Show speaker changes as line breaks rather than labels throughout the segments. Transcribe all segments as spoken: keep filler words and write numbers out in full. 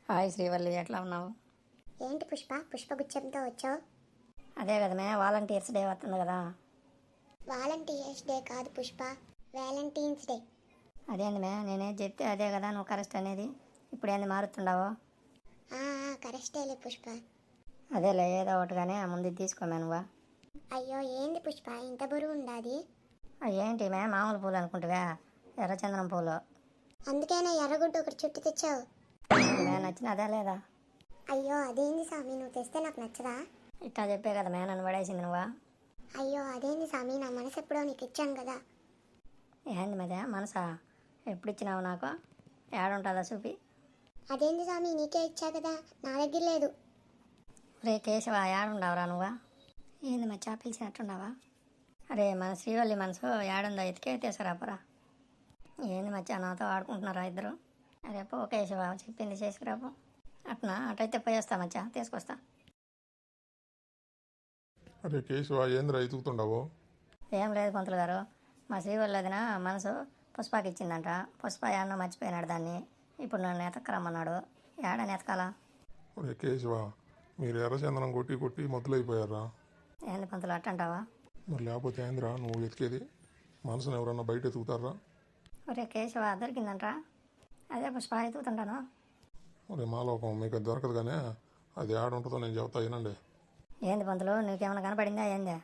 Hi Srivalli, ఎట్లా ఉన్నావు?
ఏంటి పుష్ప పుష్పగుచ్చంతో వచ్చావు?
అదే కదా మే వాలంటీర్స్ డే వస్తుంది కదా.
వాలంటీర్స్ డే కాదు పుష్ప, వ్యాలంటీన్స్ డే.
అదేంది మే, నేనే చెప్తే అదే కదా నువ్వు కరెక్ట్ అనేది. ఇప్పుడు ఏంది మారుతుండవు?
కరెక్టేలే పుష్ప.
అదేలే, ఏదో ఒకటిగానే ముందు తీసుకోమే నువ్వా.
అయ్యో ఏంది పుష్ప ఇంత బరువు ఉండాది?
ఏంటి మే, మామూలు పూలు అనుకుంటువా? ఎర్రచందనం పూలు.
అందుకేనా ఎర్రగుడ్డు ఒకటి చుట్టి తెచ్చావు?
మే నచ్చిన అదే లేదా?
అయ్యో అదేంది స్వామి, నువ్వు తెస్తే నాకు నచ్చదా?
ఇట్టా చెప్పే కదా మే నన్ను పడేసింది నువ్వా.
అయ్యో అదేంది స్వామి, నా మనసు ఎప్పుడో నీకు ఇచ్చాను కదా.
ఏంది మదే మనసా? ఎప్పుడు ఇచ్చినావు నాకు? ఏడుంటుందా చూపి.
అదేంది స్వామి, నీకే ఇచ్చా కదా, నా దగ్గర లేదు.
రే కేశవ, ఏడుండవురా నువ్వా? ఏంది మచ్చా పిలిచినట్టున్నావా? అరే మన శ్రీవల్లి మనసు ఏడుందో ఎతికే తీసుకురాపరా. ఏంది మచ్చా నాతో ఆడుకుంటున్నారా ఇద్దరు? అరే పో కేశవ, చెప్పింది చేసుకురాపో. అట్నా అటైతే పోయేస్తా మచ్చా, తీసుకొస్తా.
అరే కేశవ, ఏంద్రా ఎతుకుతుండవు?
ఏం లేదు పంతులు గారు, మా శ్రీవల్లి వదిన మనసు పుష్పకి ఇచ్చిందంట. పుష్ప ఏడనో మర్చిపోయినాడు దాన్ని. ఇప్పుడు నన్ను ఎతకరమ్మన్నాడు. ఏడని ఎతకాలా?
అరే కేశవ, మీరు ఎర్రచందనం కొట్టి కొట్టి మొదలైపోయారా?
ఏంది పంతులు అట్టంటావా?
మరి లేకపోతే ఏంద్రా నువ్వు ఎతికేది? మనసును ఎవరన్నా బయట ఎతుకుతారా?
ఒరే కేశవ, దొరికిందంట. అదే పుష్ప ఎతుకుతుంటాను.
అరే మాలోకం మీకు అది దొరకదు కానీ అది ఆడ ఉంటుందో నేను చెబుతా వినండి.
ఏంది పంతులు, నీకేమైనా కనపడిందా ఏందే?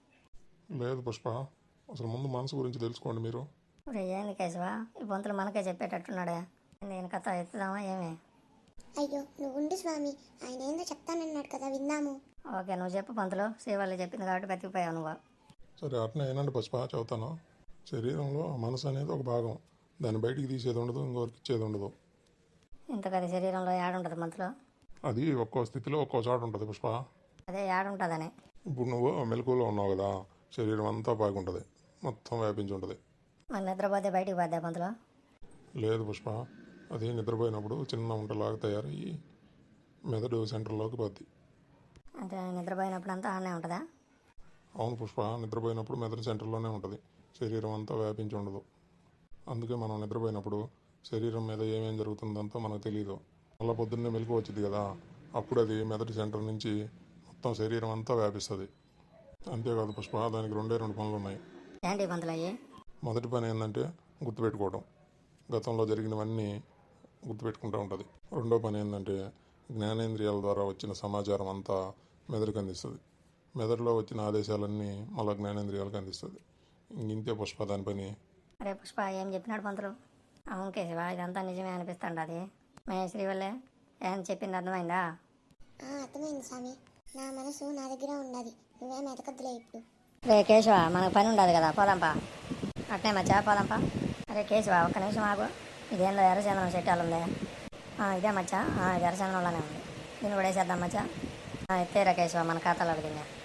లేదు పుష్ప, అసలు ముందు మనసు గురించి తెలుసుకోండి మీరు.
ఒరే ఏంది కేశవ, ఈ పంతులు మనకే చెప్పేటట్టున్నాడే. నేను కథ ఎత్తుదామా ఏమి?
అయ్యో నువ్వు ఉండి స్వామి, ఆయన ఏందో చెప్తానన్నాడు కదా, విందాము.
ఓకే నువ్వు చెప్పు పంతులు, శ్రీవల్లి చెప్పింది కాబట్టి బతికిపోయావు నువ్వు.
సరే అట్నే వినండి పుష్ప, చెబుతాను. శరీరంలో మనసు అనేది ఒక భాగం, దాన్ని బయటికి తీసేది ఉండదు, ఇంకొకరికి ఇచ్చేది ఉండదు.
ఇంతకది శరీరంలో ఏడుంటుంది పంతులు?
అది ఒక్కో స్థితిలో ఒక్కో చోట ఉంటుంది పుష్ప.
అదే ఏడుంటుందని.
ఇప్పుడు నువ్వు మెలకువలో ఉన్నావు కదా, శరీరం అంతా బాగుంటుంది, మొత్తం వ్యాపించి ఉంటుంది.
మరి నిద్రపోతే బయటికి పోద్దా పంతులు?
లేదు పుష్ప, అది నిద్రపోయినప్పుడు చిన్న ఉంటలాగా తయారయ్యి మెదడు సెంటర్లోకి పోద్ది.
అంటే నిద్రపోయినప్పుడు అంతా ఆడనే ఉంటుందా?
అవును పుష్ప, నిద్రపోయినప్పుడు మెదడు సెంటర్లోనే ఉంటుంది, శరీరం అంతా వ్యాపించి ఉండదు. అందుకే మనం నిద్రపోయినప్పుడు శరీరం మీద ఏమేం జరుగుతుందంతా మనకు తెలియదు. మళ్ళీ పొద్దున్నే మెలకు వచ్చింది కదా, అప్పుడు అది మెదడు సెంటర్ నుంచి మొత్తం శరీరం అంతా వ్యాపిస్తుంది. అంతేకాదు పుష్ప, దానికి రెండే రెండు పనులు ఉన్నాయి.
ఏంటి పంతులు అయ్యి?
మొదటి పని ఏంటంటే గుర్తుపెట్టుకోవడం, గతంలో జరిగినవన్నీ గుర్తుపెట్టుకుంటూ ఉంటుంది. రెండో పని ఏంటంటే జ్ఞానేంద్రియాల ద్వారా వచ్చిన సమాచారం అంతా మెదడుకు అందిస్తుంది. మెదడులో వచ్చిన ఆదేశాలన్నీ మళ్ళీ జ్ఞానేంద్రియాలకు అందిస్తుంది. ఇంతే పుష్ప దాని పని.
అరే పుష్ప, ఏం చెప్పినాడు పంతులు? అవును కేశవ, ఇదంతా నిజమే అనిపిస్తాండి. అది మే శ్రీవల్లే ఏం చెప్పింది అర్థమైందా?
అర్థమైంది స్వామి, నా మనసు నా దగ్గర ఉన్నది, నువ్వేం ఎతకద్దులే ఇప్పుడు.
రే కేశవ, మనకు పని ఉండదు కదా, పోదాంపా. అట్నే మచ్చా పోదాంపా. అరే కేశవ, ఒక్క నిమిషం ఆగు. ఇదేందో ఎర్రచందనం చెట్టాలు ఉందే. ఇదే మచ్చా, ఇది ఎర్రచందనంలోనే ఉంది. దీన్ని కూడా వేసేద్దాం మచ్చా. ఎత్తేరా కేశవ, మన ఖాతాలో అడిగిందా?